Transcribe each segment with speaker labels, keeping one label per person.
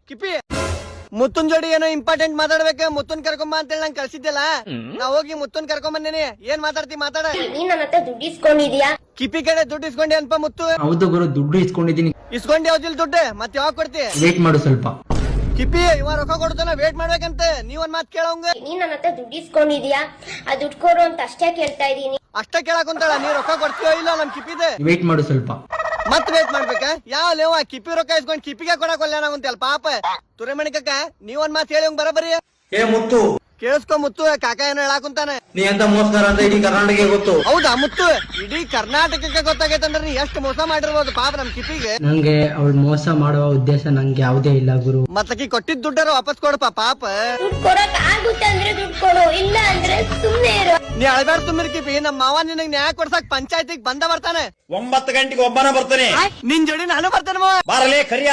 Speaker 1: ಕಿಪಿ ಮುತ್ತುನ್ ಜೋಡಿ ಏನೋ ಇಂಪಾರ್ಟೆಂಟ್ ಮಾತಾಡ್ಬೇಕು, ಮುತ್ತುನ್ ಕರ್ಕೊಂಬ ಅಂತೇಳಿ ನಂಗೆ ಕಳ್ಸಿದ್ದೆಲ್ಲ. ನಾ ಹೋಗಿ ಮುತ್ತುನ್ ಕರ್ಕೊಂಡ್ ಬಂದೇನಿ. ಏನ್ ಮಾತಾಡ್ತಿ ಮಾತಾಡ.
Speaker 2: ನೀನ್ ನನ್ನ ಹತ್ರ ದುಡ್ಡು ಇಸ್ಕೊಂಡಿದ್ಯಾ?
Speaker 1: ಕಿಪಿ ಕಡೆ ದುಡ್ಡು ಇಸ್ಕೊಂಡಿ ಅನ್ಪ ಮುತ್ತು.
Speaker 3: ಹೌದು ಗುರು, ದುಡ್ಡು ಇಸ್ಕೊಂಡಿದ್ದೀನಿ.
Speaker 1: ಇಸ್ಕೊಂಡಿ ಯಾವ್ದಿಲ್ ದುಡ್ಡು ಮತ್ತೆ ಯಾವಾಗ ಕೊಡ್ತಿ?
Speaker 3: ವೇಟ್ ಮಾಡು ಸ್ವಲ್ಪ.
Speaker 1: ಕಿಪಿ ಇವ ರೊಕ್ಕ ಕೊಡ್ತಾನ, ವೇಟ್ ಮಾಡ್ಬೇಕಂತ. ನೀವೊಂದ್ ಮಾತ್ ಕೇಳೋಂಗ.
Speaker 2: ನೀನ್ ನನ್ನ ಹತ್ರ ದುಡ್ಡು ಇಸ್ಕೊಂಡಿದ್ಯಾ? ಆ ದುಡ್ಡು ಕೊಡು ಅಂತ ಅಷ್ಟೇ ಕೇಳ್ತಾ ಇದೀನಿ.
Speaker 1: ಅಷ್ಟ ಕೇಳಾಕುಂತಾಳ. ನೀ ರೊಕ್ಕ ಕೊಡ್ತೀಯೋ ಇಲ್ಲ ನಮ್ ಕಿಪಿದೆ?
Speaker 3: ವೇಟ್ ಮಾಡು ಸ್ವಲ್ಪ.
Speaker 1: ಮತ್ ವೇಟ್ ಮಾಡ್ಬೇಕ? ಯಾವ ಲೇವ ಕಿಪಿ ರೊಕ್ಕ ಇಸ್ಕೊಂಡ್ ಕಿಪಿಗೆ ಕೊಡಕೊಲ್ಲ ನಾವಂತಲ್ ಪಾಪ. ತುರೆಮಣಿಕಕ್ಕ ನೀವೊಂದ್ ಮಾತ್ ಹೇಳಿ ಬರಬರಿ.
Speaker 4: ಏ ಮುತ್ತು,
Speaker 1: ಕೇಳಿಸ್ಕೊ ಮುತ್ತು, ಕಾಕ ಏನೋ ಹೇಳಾಕುಂತಾನೆ.
Speaker 4: ನೀ ಎಂತ ಮೋಸ್ಕರ ಅಂತ ಇಡೀ ಕರ್ನಾಟಕ ಗೊತ್ತು.
Speaker 1: ಹೌದಾ ಮುತ್ತು? ಇಡೀ ಕರ್ನಾಟಕಕ್ಕೆ ಗೊತ್ತಾಗೈತಂದ್ರೆ ನೀ ಎಷ್ಟು ಮೋಸ ಮಾಡಿರ್ಬೋದು ಪಾಪ ನಮ್ ಕಿಪಿಗೆ.
Speaker 3: ನಂಗೆ ಅವಳು ಮೋಸ ಮಾಡುವ ಉದ್ದೇಶ ನಂಗೆ ಯಾವುದೇ ಇಲ್ಲ ಗುರು.
Speaker 1: ಮತ್ತಕಿ ಕೊಟ್ಟಿದ್ ದುಡ್ಡಾರ ವಾಪಸ್ ಕೊಡಪ್ಪ ಪಾಪ.
Speaker 2: ದುಡ್ಡು ಕೊಡಕ್ ಆಗುತ್ತೆ ಅಂದ್ರೆ ದುಡ್ಡು ಕೊಡು, ಇಲ್ಲ ಅಂದ್ರೆ ಸುಮ್ನೆ ಇರು.
Speaker 1: ನೀ ಅಳಬೇಡ ತುಂಬಿರ್ ಕಿಪಿ. ನಮ್ಮ ಮಾವ ನಿನಗ್ ನ್ಯಾಯ ಕೊಡ್ಸಕ್ ಪಂಚಾಯತಿಗೆ ಬಂದ ಬರ್ತಾನೆ.
Speaker 4: 9 ಗಂಟೆಗೆ ಒಬ್ಬನ ಬರ್ತಾನೆ.
Speaker 1: ನಿನ್ ಜೋಡಿ ನಾನು ಬರ್ತೇನೆ ಮಾವ.
Speaker 4: ಬಾರಲೇ ಕರಿಯ.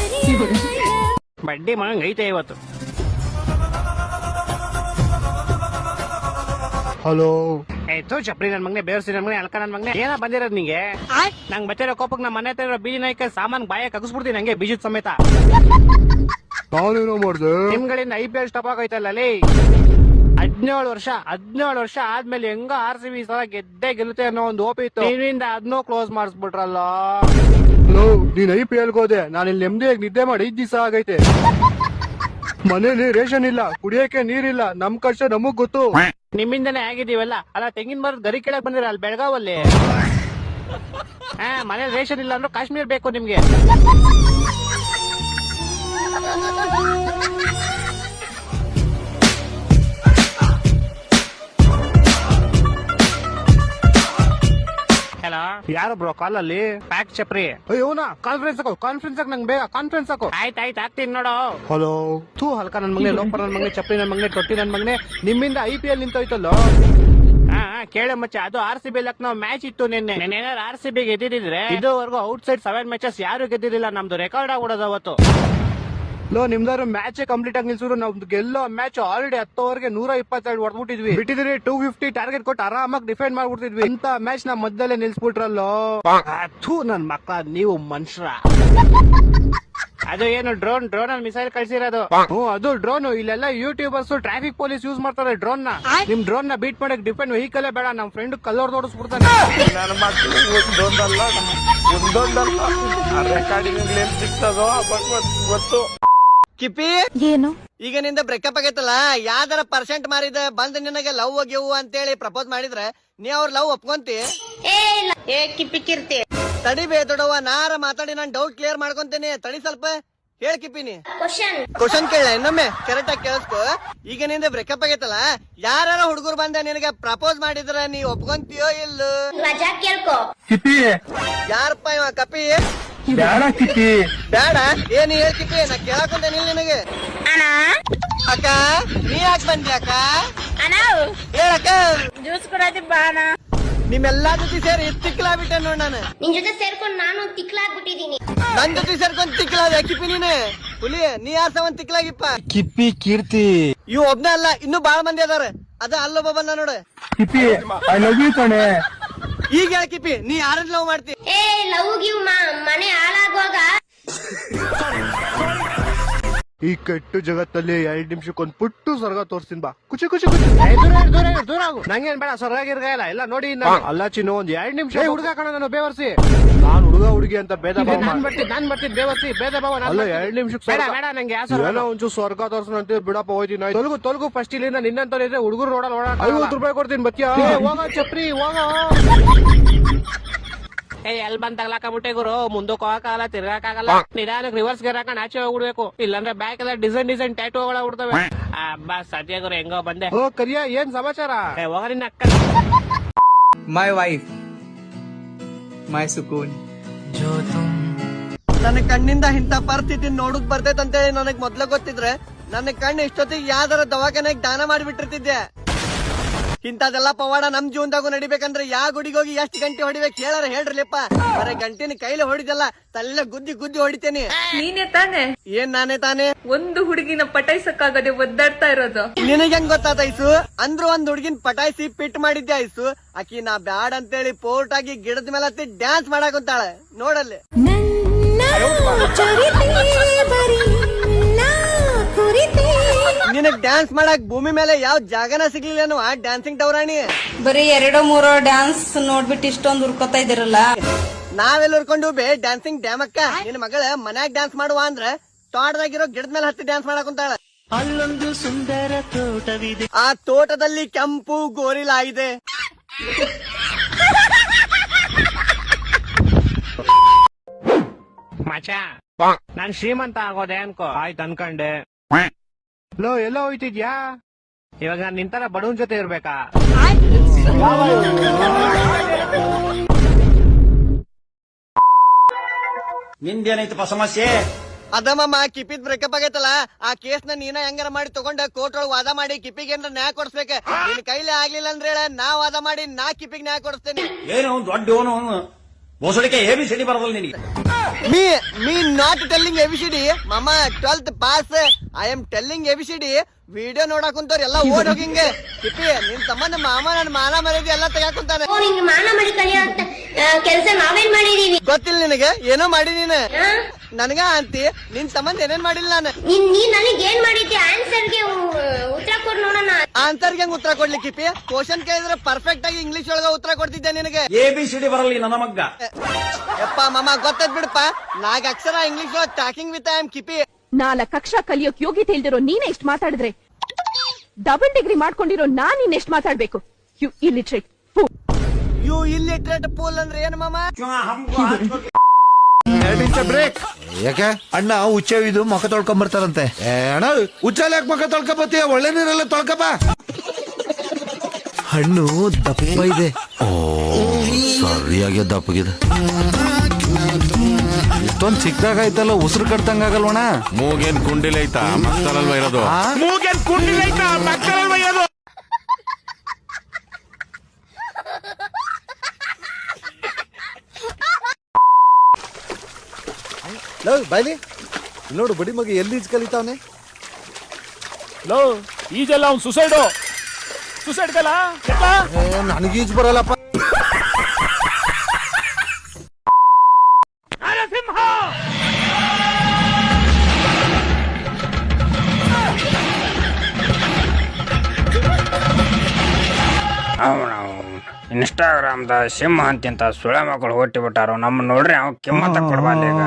Speaker 5: ಬಡ್ಡಿ ಮಂಗ್ ಐತೆ ಇವತ್ತು.
Speaker 4: ಹಲೋ.
Speaker 5: ಆಯ್ತು ಚಪ್ರಿ ನನ್ ಮಗನೆ, ಬೇರ್ಸಿ ನನ್ ಮಗನೆ, ಅಲ್ಕ ನನ್ ಮಗನೆ. ಏನ ಬಂದಿರೋದ್ ನಿಂಗೆ? ನಂಗ್ ಬಚ್ಚಿರೋ ಕೋಪಕ್ ನಮ್ಮ ಮನೆ ಹತ್ರ ಇರೋ ಬೀಜ ನಾಯ್ಕ ಸಾಮಾನ್ ಬಾಯ ಕಗಸ್ಬಿಡ್ತೀನಿ ನಂಗೆ ಬೀಜದ ಸಮೇತ.
Speaker 4: ನಾನೇನೋ ಮಾಡ್ದೆ?
Speaker 5: ನಿಮ್ಗಳಿಂದ IPL ಸ್ಟಾಪ್ ಆಗೈತಲ್ಲ ಅಲ್ಲಿ. 17 ವರ್ಷ ಆದ್ಮೇಲೆ ಹೆಂಗ RCB ಸಲ ಗೆದ್ದೆ ಗೆಲ್ಲುತ್ತೆ ಅನ್ನೋ ಒಂದು ಓಪಿ ಇತ್ತು. ನೀವಿಂದ ಅದನ್ನೂ ಕ್ಲೋಸ್ ಮಾಡಿಸ್ಬಿಟ್ರಲ್ಲ.
Speaker 6: ನೀನ್ IPL ಹೋದೆ, ನಾನು ಇಲ್ಲಿ ನೆಮ್ಮದಿಯಾಗಿ ನಿದ್ದೆ ಮಾಡಿ 5 ದಿವಸ ಆಗೈತೆ. ಮನೇಲಿ ರೇಷನ್ ಇಲ್ಲ, ಕುಡಿಯಕ್ಕೆ ನೀರಿಲ್ಲ, ನಮ್ ಕಷ್ಟ ನಮಗ್ ಗೊತ್ತು.
Speaker 5: ನಿಮ್ಮಿಂದನೇ ಆಗಿದೀವಲ್ಲ. ಅಲ್ಲ ತೆಂಗಿನ ಮರದ ಗರಿ ಕೆಳಕ್ ಬಂದಿರ ಅಲ್ಲಿ ಬೆಳಗಾವಲ್ಲಿ. ಮನೇಲಿ ರೇಷನ್ ಇಲ್ಲ ಅಂದ್ರೆ ಕಾಶ್ಮೀರ್ ಬೇಕು ನಿಮ್ಗೆ. ಹಲೋ, ಯಾರು ಬ್ರೋ ಕಾಲಲ್ಲಿ? ಪ್ಯಾಕ್ ಚಪ್ರಿ.
Speaker 6: ಅಯ್ಯೋನಾ, ಕಾನ್ಫರೆನ್ಸ್ ನಂಗೆ ಬೇಗ ಕಾನ್ಫರೆನ್ಸ್ ಹಾಕು.
Speaker 5: ಆಯ್ತಾಯ್ತು ಆಗ್ತೀನಿ ನೋಡು.
Speaker 6: ಹಲೋ.
Speaker 5: ತೂ ಹಲ್ಕ ನನ್ ಮಗನೆ, ಲೋಪರ್ ನನ್ ಮಗನೆ, ಚಪ್ರಿ ನನ್ ಮಗನೆ, ತೊಟ್ಟಿ ನನ್ ಮಗನೆ. ನಿಮ್ಮಿಂದ IPL ನಿಂತೋಯ್ತಲ್ಲ. ಕೇಳ ಮಚ್ಚ, ಅದು RCB ಲಕ್ನೋ ಮ್ಯಾಚ್ ಇತ್ತು ನಿನ್ನೆ. ಏನಾದ್ರು RCB ಗೆದ್ದಿದ್ರೆ ಇದುವರೆಗೂ ಔಟ್ಸೈಡ್ 7 ಮ್ಯಾಚಸ್ ಯಾರು ಗೆದ್ದಿರಲಿಲ್ಲ. ನಮ್ದು ರೆಕಾರ್ಡ್ ಆಗ್ಬಿಡೋದು ಅವತ್ತು.
Speaker 6: ನಿಮ್ದಾರು ಮ್ಯಾಚ್ ಕಂಪ್ಲೀಟ್ ಆಗಿ ನಿಲ್ಸಿದ್ರು. ನಮ್ದು ಗೆಲ್ಲೋ ಮ್ಯಾಚ್ ಆಲ್ರೆಡಿ 10 ಓವರ್ಗೆ 122 ಹೊಡೆದ್ಬಿಟ್ಟಿದ್ವಿ. ಬಿಟ್ಟಿದ್ರೆ 250 ಟಾರ್ಗೆಟ್ ಕೊಟ್ಟು ಆರಾಮಾಗಿ ಡಿಫೆಂಡ್ ಮಾಡ್ಬಿಡ್ತಿದ್ವಿ. ಇಂತ ಮ್ಯಾಚ್ ನಾ ಮಧ್ಯದಲ್ಲೇ ನಿಲ್ಸ್ಬಿಟ್ರಲ್ಲೋ.
Speaker 5: ಥೂ ನನ್ ಮಕ್ಕಳ, ನೀವು ಮನುಷ್ಯರ. ಅದು ಏನು ಡ್ರೋನ್ ಅಲ್ಲಿ ಮಿಸೈಲ್ ಕಳ್ಸಿರೋದು.
Speaker 6: ಅದು ಡ್ರೋನ್. ಇಲ್ಲೆಲ್ಲ ಯೂಟ್ಯೂಬರ್ಸ್ ಟ್ರಾಫಿಕ್ ಪೊಲೀಸ್ ಯೂಸ್ ಮಾಡ್ತಾರೆ ಡ್ರೋನ್ ನ. ನಿಮ್ ಡ್ರೋನ್ ನ ಬೀಟ್ ಮಾಡಕ್ ಡಿಫೆಂಡ್ ವೆಹಿಕಲ್ ಬೇಡ. ನಮ್ ಫ್ರೆಂಡ್ ಕಲ್ಲೋರ್ ತೋಡಿಸ್ಬಿಡ್ತಾನೆ.
Speaker 4: ಗೊತ್ತು.
Speaker 1: ಕಿಪಿ
Speaker 2: ಏನು
Speaker 1: ಈಗ ನಿಂದ ಬ್ರೇಕಪ್ ಆಗೈತಲ್ಲ, ಯಾವ್ದಾರ ಪರ್ಸೆಂಟ್ ಮಾರಿದ ಬಂದ್ ನಿನಗೆ ಲವ್ ಗೆವು ಅಂತೇಳಿ ಪ್ರಪೋಸ್ ಮಾಡಿದ್ರೆ ನೀ ಅವ್ರ ಲವ್ ಒಪ್ಕೊಂತಿ?
Speaker 2: ಏ ಕಿಪ್ಪಿ ಕಿರ್ತಿ,
Speaker 1: ತಡಿಬೇ ದೊಡವ, ನಾರ ಮಾತಾಡಿ ನಾನ್ ಡೌಟ್ ಕ್ಲಿಯರ್ ಮಾಡ್ಕೊಂತೇನೆ. ತಡಿ ಸ್ವಲ್ಪ ಹೇಳ್ ಕಿಪಿನಿ. ಕ್ವಶನ್ ಕೇಳ ಇನ್ನೊಮ್ಮೆ ಕರೆಕ್ಟ್ ಆಗಿ ಕೇಳಿಸ್ಕೊ. ಈಗ ನಿಂದ ಬ್ರೇಕಪ್ ಆಗೈತಲ್ಲ, ಯಾರ ಹುಡುಗರು ಬಂದ ನಿನಗೆ ಪ್ರಪೋಸ್ ಮಾಡಿದ್ರ ನೀ ಒಪ್ಕೊಂತೀಯೋ ಇಲ್ಲೋ?
Speaker 2: ಮಜಾ ಕೇಳ್ಕೊ.
Speaker 1: ಯಾರಪ್ಪ ಇವ ಕಪಿ?
Speaker 6: ಬೇಡ ಕಿಪ್ಪಿ,
Speaker 1: ಬೇಡ. ಏನ್ ಹೇಳ್ ಕಿಪಿ, ನಾ ಕೇಳಾಕೊಂತೇನೆ ನಿನಗೆ.
Speaker 2: ಅಣ್ಣ
Speaker 1: ಅಕ್ಕ ನೀ ಯಾಕೆ ಬಂದಿ ಅಕ್ಕ?
Speaker 2: ಅಣ್ಣ
Speaker 1: ಹೇಳಕ್ಕ.
Speaker 2: ಜ್ಯೂಸ್ ಕೊಡೋದಿ ಬಾ ಅಣ್ಣ.
Speaker 1: ನಿಮ್ಮೆಲ್ಲಾ ಜೊತೆ ಸೇರಿ ತಿಕ್ಲಾಬಿಟ್ಟೆ ನೋಡ್ ನಾನು.
Speaker 2: ನಿನ್ ಜೊತೆ ಸೇರ್ಕೊಂಡು ನಾನು ತಿಕ್ಲಾಗ್ಬಿಟ್ಟಿದೀನಿ.
Speaker 1: ನನ್ ಜೊತೆ ಸೇರ್ಕೊಂಡ್ ತಿಕ್ಲಾದ ಕಿಪಿ ನೀನು. ಹುಲಿ ನೀ ಯಾರ್ ಸವನ್ ತಿಕ್ಲಾಗಿಪ್ಪ?
Speaker 6: ಕಿಪ್ಪಿ ಕೀರ್ತಿ.
Speaker 1: ಇವ್ ಒಬ್ನೇ ಅಲ್ಲ, ಇನ್ನೂ ಬಾಳ ಮಂದಿ ಅದಾರ. ಅದ ಅಲ್ಲೊಬ್ಬ ಬಂದ ನೋಡು.
Speaker 6: ಕಿಪ್ಪಿ ಐ ಲವ್ ಯು ಕಣೆ.
Speaker 1: ಈಗ ಹೇಳ ಕಿಪಿ, ನೀ ಯಾರನ್ನ ಲವ್ ಮಾಡ್ತಿ?
Speaker 2: ಏ ಲವ್ ಗಿವ್ ಮನೆ ಹಾಳಾಗುವಾಗ
Speaker 6: ಈ ಕೆಟ್ಟು ಜಗತ್ತಲ್ಲಿ 2 ನಿಮಿಷಕ್ಕೊಂದ್ ಪುಟ್ಟು ಸ್ವರ್ಗ ತೋರ್ಸ್ತೀನಿ ಬಾ. ಖುಷಿ ಖುಷಿ
Speaker 5: ದೂರ ಆಗು. ನಂಗೇನ್ ಬೇಡ, ಸ್ವರ್ಗಾಗಿರ್ಗಲ್ಲ ಎಲ್ಲ ನೋಡಿ.
Speaker 6: ಅಲ್ಲ ಚಿನ್ನು, ಒಂದ್ 2 ನಿಮಿಷ. ಹುಡುಗ ಕಣ ನಾನು, ಬೇವರ್ಸಿ. ನಾನ್ ಹುಡುಗ ಹುಡುಗಿ ಅಂತ ಭೇದ ಭಾವ
Speaker 5: ನಾನ್ ಬರ್ತೀನಿ ಬೇವರ್ಸಿ, ಭೇದ ಭಾವ.
Speaker 6: ಅಲ್ಲ 2 ನಿಮಿಷಕ್ಕೆ
Speaker 5: ಬೇಡ ನಂಗೆ ಯಾವ
Speaker 6: ಒಂಚೂರು ಸ್ವರ್ಗ ತೋರ್ಸಂತ ಬಿಡಪ್ಪ. ಹೋಯ್ತೀನಿ.
Speaker 5: ತೊಲಗು ಫಸ್ಟ್ ಇಲ್ಲಿಂದ. ನಿನ್ನಂತ ಹುಡುಗರು ನೋಡಲ್ಲ.
Speaker 6: 50 ರೂಪಾಯಿ ಕೊಡ್ತೀನಿ, ಬತ್ತಿಯಾ?
Speaker 5: ಹೋಗ ಚಪ್ರಿ ಹೋಗ. ಎಲ್ ಬಂದ್ ತಗ್ಲಾಕಬಿಟ್ಟೆ ಗುರು. ಮುಂದಕ್ಕೆ ಹೋಗಕ್ಕಾಗಲ್ಲ, ತಿರ್ಗಾಕಾಗಲ್ಲ. ನಿಧಾನಕ್ಕೆ ರಿವರ್ಸ್ ಗೇರ್ ಹಾಕೊಂಡು ಆಚೆ ಹೋಗ್ಬಿಡ್ಬೇಕು. ಇಲ್ಲಾಂದ್ರೆ ಬ್ಯಾಕ್ ಎಲ್ಲ ಡಿಸೈನ್ ಟ್ಯಾಟೂಗಳ ಬಿಡ್ತವೆ. ಅಬ್ಬಾ ಸದ್ಯ ಗುರು ಹೆಂಗೋ ಬಂದೆ.
Speaker 6: ಓ ಕರಿಯ, ಏನ್ ಸಮಾಚಾರ?
Speaker 5: ಹೋಗ ನಿನ್ನ ಅಕ್ಕ.
Speaker 7: My wife, my sukoon.
Speaker 1: ನನ್ನ ಕಣ್ಣಿಂದ ಇಂಥ ಪರಿಸ್ಥಿತಿ ನೋಡಕ್ ಬರ್ತೈತಂತೇಳಿ ನನಗ್ ಮೊದ್ಲ ಗೊತ್ತಿದ್ರೆ ನನ್ನ ಕಣ್ಣು ಇಷ್ಟೊತ್ತಿಗೆ ಯಾವ್ದಾರ ದವಾಖಾನೆಗೆ ದಾನ ಮಾಡಿಬಿಟ್ಟಿರ್ತಿದ್ದೆ. ಇಂಥದೆಲ್ಲ ಪವಾಡ ನಮ್ ಜೀವನದಾಗೂ ನಡಿಬೇಕಂದ್ರೆ ಯಾವ ಗುಡಿಗೆ ಹೋಗಿ ಎಷ್ಟು ಗಂಟೆ ಹೊಡಿಬೇಕು ಹೇಳಾರ ಹೇಳ್ರಲಿಪ್ಪ. ಬರೀ ಗಂಟೆನ ಕೈಲಿ ಹೊಡಿದಲ್ಲ, ತಲೆ ಗುದ್ದಿ ಹೊಡಿತೇನೆ.
Speaker 8: ನೀನೇ ತಾನೆ?
Speaker 1: ಏನ್ ನಾನೇ ತಾನೇ?
Speaker 8: ಒಂದು ಹುಡುಗಿನ ಪಟಾಯಿಸಕ್ಕಾಗದೆ ಒದ್ದಾಡ್ತಾ ಇರೋದು.
Speaker 1: ನಿನಗೆ ಹೆಂಗ್ ಗೊತ್ತಾತ ಐಸು? ಅಂದ್ರು ಒಂದ್ ಹುಡುಗಿನ ಪಟಾಯಿಸಿ ಪಿಟ್ ಮಾಡಿದ್ದೆ ಐಸು. ಆಕಿ ನಾ ಬ್ಯಾಡ್ ಅಂತೇಳಿ ಪೋರ್ಟ್ ಆಗಿ ಗಿಡದ ಮೇಲೆ ಹತ್ತಿ ಡ್ಯಾನ್ಸ್ ಮಾಡಾಕಂತಾಳೆ ನೋಡಲ್ಲಿ. ನಿನಗ್ ಡ್ಯಾನ್ಸ್ ಮಾಡಕ್ ಭೂಮಿ ಮೇಲೆ ಯಾವ ಜಾಗನ ಸಿಗ್ಲಿಲ್ಲ ಡ್ಯಾನ್ಸಿಂಗ್ ಟವರಾಣಿ.
Speaker 9: ಬರೀ 2-3 ಡ್ಯಾನ್ಸ್ ನೋಡ್ಬಿಟ್ಟು ಇಷ್ಟೊಂದು ಹುರ್ಕೋತಾ ಇದಿರಲ್ಲ.
Speaker 1: ನಾವೆಲ್ಲ ಹುರ್ಕೊಂಡು ಬೇ ಡ್ಯಾನ್ಸಿಂಗ್ ಡ್ಯಾಮಕ್ಕ. ನಿನ್ ಮಗಳ ಮನ್ಯಾಗ ಡ್ಯಾನ್ಸ್ ಮಾಡುವ ಅಂದ್ರೆ ತೋಟದಾಗಿರೋ ಗಿಡದ ಮೇಲೆ ಹತ್ತಿ ಡ್ಯಾನ್ಸ್ ಮಾಡಕ್ ಕುಂತಾಳ. ಅಲ್ಲೊಂದು ಸುಂದರ ತೋಟವಿದೆ, ಆ ತೋಟದಲ್ಲಿ ಕೆಂಪು ಗೋರಿಲಾ ಇದೆ.
Speaker 5: ಮಚ ನಾನ್ ಶ್ರೀಮಂತ ಆಗೋದೆ ಅನ್ಕೋ. ಆಯ್ತು ಅನ್ಕಂಡೆ.
Speaker 6: ಲೋ ಎಲ್ಲ ಹೋಯ್ತಿದ್ಯಾ?
Speaker 5: ಇವಾಗ ನಾನ್ ನಿಂತರ ಬಡವನ್ ಜೊತೆ ಇರ್ಬೇಕಾ?
Speaker 4: ನಿಂದೇನೈತಪ್ಪ ಸಮಸ್ಯೆ?
Speaker 1: ಅದಮ್ಮ ಕಿಪಿದ್ ಬ್ರೇಕಪ್ ಆಗೈತಲ್ಲ, ಆ ಕೇಸ್ ನ ನೀನ ಹೆಂಗಾರ ಮಾಡಿ ತಗೊಂಡ ಕೋರ್ಟ್ ಒಳಗ್ ವಾದ ಮಾಡಿ ಕಿಪಿಗೆ ಏನಾರ ನ್ಯಾಯ ಕೊಡಿಸ್ಬೇಕ. ನಿನ್ ಕೈಲಿ ಆಗ್ಲಿಲ್ಲ ಅಂದ್ರೆ ಹೇಳ, ನಾ ವಾದ ಮಾಡಿ ನಾ ಕಿಪಿಗೆ ನ್ಯಾಯ ಕೊಡಿಸ್ತೇನೆ.
Speaker 4: ಏನು ದೊಡ್ಡ ಬೋಸಡಿಕೆ ABCD ಬರದಲ್ಲ ನಿನಗೆ.
Speaker 1: Me not telling ABCD, mama 12th pass. I am telling ABCD. Video ನೋಡಕ್ ಕುಂತವ್ರ ಎಲ್ಲ ಓಡ್ ಹೋಗಿಂಗೆ. ಕಿಪಿ ನಿನ್ ಸಂಬಂಧ ಮಾಮ ನನ್ ಮಾನ ಮರ್ಯಾದೆ ಎಲ್ಲ ತೆಗಾಕುಂತಾನೆ.
Speaker 2: ಹಿಂಗ್ ಮಾನ ಮಾಡಿ ಕಲಿಯೋಂತ ಕೆಲ್ಸ ನಾವೇನ್ ಮಾಡಿದೀವಿ
Speaker 1: ಗೊತ್ತಿಲ್ಲ ನಿನಗೆ? ಏನೋ ಮಾಡಿ ನೀನ್ ನನ್ಗ ಅಂತಿ. ನಿನ್ ಸಂಬಂಧ ಏನೇನ್ ಮಾಡಿಲ್ಲ ನಾನು.
Speaker 2: ನೀನ್ ನನಗೆ ಏನ್ ಮಾಡಿದ್ದೆ? ಆನ್ಸರ್ಗೆ ಉತ್ತರ ಕೊಡ್ ನೋಡೋಣ.
Speaker 1: ಆನ್ಸರ್ಗೆ ಹೆಂಗ್ ಉತ್ತರ ಕೊಡ್ಲಿ ಕಿಪಿ? ಕ್ವಶನ್ ಕೇಳಿದ್ರೆ ಪರ್ಫೆಕ್ಟ್ ಆಗಿ ಇಂಗ್ಲಿಷ್ ಒಳಗ ಉತ್ತರ ಕೊಡ್ತಿದ್ದೆ ನಿನಗೆ.
Speaker 4: ABCD ಬರಲ್ಲ ನನ್ನ ಮಗ್ಗ.
Speaker 1: ಯಪ್ಪ ಮಾಮ ಗೊತ್ತದ್ ಬಿಡಪ್ಪ. 4 ಅಕ್ಷರ ಇಂಗ್ಲಿಷ್ ಒಳಗ್ ಟಾಕಿಂಗ್ ವಿತ್ ಐ ಆಮ್ ಕಿಪಿ.
Speaker 10: 4 ಅಕ್ಷರ ಕಲಿಯೋಕ್ ಯೋಗ್ಯತೆ ಇಲ್ದಿರೋ ನೀನೇ ಎಷ್ಟ್ ಮಾತಾಡಿದ್ರೆ, ಡಬಲ್ ಡಿಗ್ರಿ ಮಾಡ್ಕೊಂಡಿರೋ ನಾನ್ ಇನ್ನೆಷ್ಟ್ ಮಾತಾಡ್ಬೇಕು? You illiterate fool.
Speaker 1: You illiterate fool ಅಂದ್ರೆ ಏನು ಮಾಮ?
Speaker 11: ಬ್ರೇಕ್. ಯಾಕೆ ಅಣ್ಣ ಹುಚ್ಚವಿದು ಮುಖ ತೊಳ್ಕೊಂಡ್ ಬರ್ತಾರಂತೆ. ಅಣ್ಣ ಹುಚ್ಚಲ್ಲಿ ಯಾಕೆ ಮುಖ ತೊಳ್ಕೊಬತ್ತೀಯ? ಒಳ್ಳೆ ನೀರೆಲ್ಲ ತೊಳ್ಕೊಬ. ಹಣ್ಣು ದಪ್ಪ ಇದೆ. ಓ ಸರಿಯಾಗಿ ದಪ್ಪಗಿದೆ. ಇಷ್ಟೊಂದ್ ಚಿಕ್ಕದಾಗ ಐತಲ್ಲ, ಉಸಿರು ಕಟ್ತಂಗಾಗಲ್ವಣ?
Speaker 12: ಮೂಗೇನ್ ಕುಂಡಿಲ್ ಐತಾ? ಮಕ್ಕಳಲ್ವ ಇರೋದು? ಮೂಗೇನ್ ಕುಂಡಿಲ್ ಐತಾ? ಮಕ್ಕಳಲ್ವ ಇರೋದು?
Speaker 11: ಬಾಯ್ಲಿ ನೋಡು, ಬಡಿ ಮಗ ಎಲ್ಲಿ ಈಜ್ ಕಲಿತಾವನೆ.
Speaker 12: ಲೋ ಈಜೆಲ್ಲ ಅವ್ನ್ ಸುಸೈಡ್ ಕಲ.
Speaker 11: ನನಗೀಜ್ ಬರಲ್ಲಪ್ಪ.
Speaker 5: ಇನ್ಸ್ಟಾಗ್ರಾಮ್ದ ಸಿಂಹ ಅಂತ ಸುಳೆ ಮಕ್ಕಳು ಹೊಟ್ಟಿ ಬಿಟ್ಟಾರು. ನಮ್ಮ ನೋಡ್ರಿ ಅವ್ ಕಿಮ್ಮತ್ತ ಕೊಡ್ಬಾರ್ದು. ಈಗ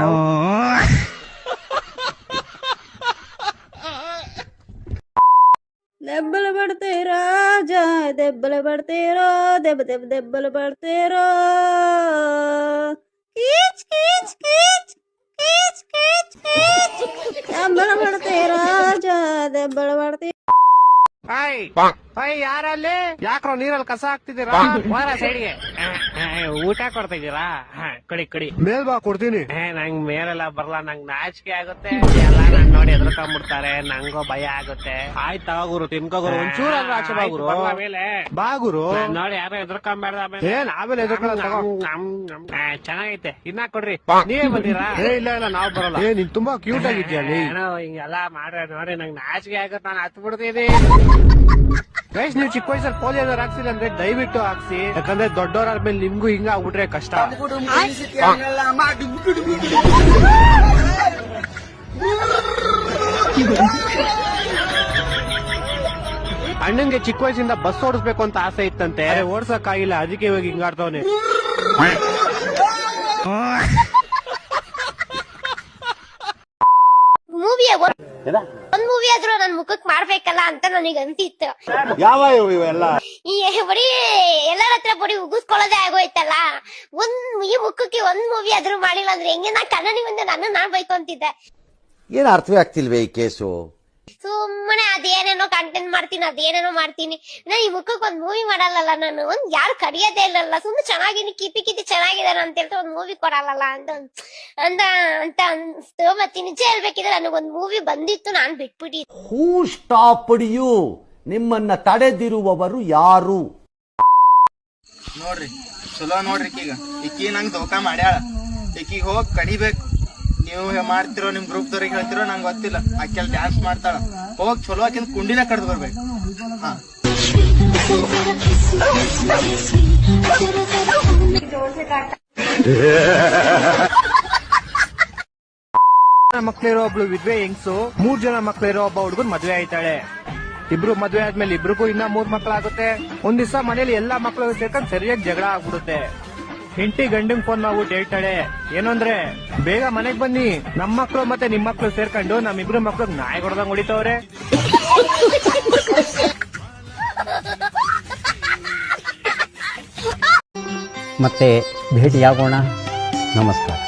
Speaker 9: ದೆಬ್ಬಲು ಬಡ್ತೀರೋ ರಾಜ, ದೆಬ್ಬಲು ಬಡ್ತೀರೋ, ದೆಬ್ಬಲು ಬಡ್ತೀರೋ. ಕೀಚ್ ಕೀಚ್ ಕೀಚ್ ಕೀಚ್ ಕೀಚ್ ಕೀಚ್. ದೆಬ್ಬಲು ಬಡ್ತೀರೋ ರಾಜ, ದೆಬ್ಬಲು ಬಡ್ತೀರೋ.
Speaker 5: ಯಾರಲ್ಲಿ ಯಾಕ್ರೋ ನೀರಲ್ಲಿ ಕಸ ಹಾಕ್ತಿದ್ದೀರಾ? ಸೈಡ್ಗೆ ಊಟ ಕೊಡ್ತಾ ಇದೀರಾ? ಕಡಿ
Speaker 6: ಮೇಲ್ ಬಾ, ಕೊಡ್ತೀನಿ.
Speaker 5: ನಂಗ್ ಮೇಲೆಲ್ಲ ಬರಲ್ಲ, ನಂಗ್ ನಾಚಿಕೆ ಆಗುತ್ತೆ. ಎಲ್ಲ ನನ್ ನೋಡಿ ಎದ್ರಕೊಂಡ್ಬಿಡ್ತಾರೆ, ನಂಗೋ ಭಯ ಆಗುತ್ತೆ. ಆಯ್ತಾ ಗುರು, ತಿನ್ಕೋಗುರು, ಒಂಚೂರಾದ್ರೂ ಆಚೆ ಬಾಗುರು. ಆಮೇಲೆ
Speaker 6: ಬಾಗುರು
Speaker 5: ನೋಡಿ ಯಾರೋ ಎದ್ರಕೊಂಬೇಡ್ದ.
Speaker 6: ಆಮೇಲೆ
Speaker 5: ಚೆನ್ನಾಗೈತೆ, ಇನ್ನ ಕೊಡ್ರಿ. ನೀವೇ ಬಂದಿರಾ?
Speaker 6: ಇಲ್ಲ ನಾವ್ ಬರಲ್ಲ. ನೀನ್ ತುಂಬಾ ಕ್ಯೂಟ್ ಆಗಿದ್ಯಾ?
Speaker 5: ಹಿಂಗೆಲ್ಲ ಮಾಡ್ರೆ ನೋಡಿ ನಂಗ್ ನಾಚಿಕೆ ಆಗುತ್ತೆ, ನಾನು ಹತ್ ಬಿಡ್ತೀನಿ.
Speaker 6: ಗೈಸ್, ನೀವು ಚಿಕ್ಕ ವಯಸ್ಸಲ್ಲಿ ಪೋಲಿಯೋ ಏನಾರು ಹಾಕ್ಸಿಲ್ಲ ಅಂದ್ರೆ ದಯವಿಟ್ಟು ಹಾಕ್ಸಿ. ಯಾಕಂದ್ರೆ ದೊಡ್ಡವರಾದ್ಮೇಲೆ ನಿಮ್ಗೂ ಹಿಂಗ ಆಗ್ಬಿಟ್ರೆ ಕಷ್ಟ. ಅಣ್ಣಂಗೆ ಚಿಕ್ಕ ವಯಸ್ಸಿಂದ ಬಸ್ ಓಡಿಸ್ಬೇಕು ಅಂತ ಆಸೆ ಇತ್ತಂತೆ, ಓಡ್ಸಕ್ ಆಗಿಲ್ಲ. ಅದಕ್ಕೆ ಇವಾಗ ಹಿಂಗಾಡ್ತವನೆ.
Speaker 2: ಒಂದ್ ಮೂವಿ ಆದ್ರೂ ನನ್ ಮುಖಕ್ ಮಾಡ್ಬೇಕಲ್ಲ ಅಂತ ನನಗೆ ಅನ್ಸಿತ್ತು.
Speaker 11: ಯಾವ ಇವೆಲ್ಲ
Speaker 2: ಈ ಬರೀ ಎಲ್ಲರ ಹತ್ರ ಬರೀ ಉಗಿಸ್ಕೊಳ್ಳೋದೇ ಆಗೋಯ್ತಲ್ಲ. ಈ ಮುಖಕ್ಕೆ ಒಂದ್ ಮೂವಿ ಆದ್ರೂ ಮಾಡಿಲ್ಲ ಅಂದ್ರೆ ಹೆಂಗೆ? ನಾ ಕನ್ನಡಿ ಮುಂದೆ ನಾನ್ ಬೈಕೊಂತಿದ್ದೆ.
Speaker 11: ಏನ್ ಅರ್ಥವೇ ಆಗ್ತಿಲ್ವೇ ಈ ಕೇಸು?
Speaker 2: ಸುಮ್ಮನೆ ಅದೇನೇನೋ ಕಂಟೆಂಟ್ ಅದೇನೇನೋ ಮಾಡ್ತೀನಿ. ನಾ ಈ ಮುಖಕ್ಕೆ ಒಂದ್ ಮೂವಿ ಮಾಡಲ್ಲ. ನಾನು ಯಾರು ಕರಿಯೋದೇ ಇಲ್ಲಲ್ಲ. ಸುಮ್ಮನೆ ಚೆನ್ನಾಗಿನಿ, ಕಿಪಿ ಚೆನ್ನಾಗಿದಾನ ಅಂತ ಹೇಳ್ತಾ ಒಂದ್ ಮೂವಿ ಕೊಡಲ್ಲ ಅಂತ ಅಂತ ಅಂತ ಅನ್ಸ್ತು. ಮತ್ತೆ ನಿಜ ಹೇಳ್ಬೇಕಿದ್ರೆ ನನಗೊಂದ್ ಮೂವಿ ಬಂದಿತ್ತು, ನಾನ್ ಬಿಟ್ಬಿಟ್ಟಿದ್ದೆ.
Speaker 11: ಹೂ ಸ್ಟಾಪ್ಡ್ ಯು? ನಿಮ್ಮನ್ನ ತಡೆದಿರುವವರು ಯಾರು?
Speaker 7: ನೋಡ್ರಿ ಚಲೋ ನೋಡ್ರಿ. ಈಕಿ ನಂಗೆ ಧೋಕಾ ಮಾಡ್ಯಾಳ. ಈಕಿಗೆ ಹೋಗಿ ಕಡಿಬೇಕು. ನೀವು ಮಾಡ್ತಿರೋ ನಿಮ್ ಗ್ರೂಪ್ ದವ್ರಿಗೆ ಹೇಳ್ತಿರೋ ನಂಗೆ ಗೊತ್ತಿಲ್ಲ. ಆಕೆಲ್ ಡ್ಯಾನ್ಸ್ ಮಾಡ್ತಾಳ. ಹೋಗಿ ಚಲೋ ಆಕಿಂದ ಕುಂಡಿನ ಕಡ್ದು ಬರ್ಬೇಕು.
Speaker 6: ಮಕ್ಳಿರೋ ಒಬ್ಳು ವಿದ್ವೆ ಹೆಂಗ್ಸು 3 ಜನ ಮಕ್ಳಿರೋ ಒಬ್ಬ ಹುಡುಗನ್ ಮದ್ವೆ ಆಯ್ತಾಳೆ. ಇಬ್ರು ಮದ್ವೆ ಆದ್ಮೇಲೆ ಇಬ್ರಿಗೂ ಇನ್ನ 3 ಮಕ್ಳಾಗುತ್ತೆ. ಒಂದ್ ದಿವಸ ಮನೇಲಿ ಎಲ್ಲಾ ಮಕ್ಳು ಸೇರ್ಕೊಂಡ್ ಸರಿಯಾಗಿ ಜಗಳ ಆಗ್ಬಿಡುತ್ತೆ. ಹೆಂಡತಿ ಗಂಡಂಗ್ ಫೋನ್ ಮಾಡ್ಬಿಟ್ಟು ಹೇಳ್ತಾಳೆ ಏನಂದ್ರೆ ಬೇಗ ಮನೆಗ್ ಬನ್ನಿ, ನಮ್ ಮಕ್ಳು ಮತ್ತೆ ನಿಮ್ ಮಕ್ಳು ಸೇರ್ಕೊಂಡು ನಮ್ಮಿಬ್ರು ಮಕ್ಳು ನಾಯಿ ಹೊಡೆದಂಗ್ ಹೊಡಿತವ್ರೆ.
Speaker 3: ಮತ್ತೆ ಭೇಟಿಯಾಗೋಣ. ನಮಸ್ಕಾರ.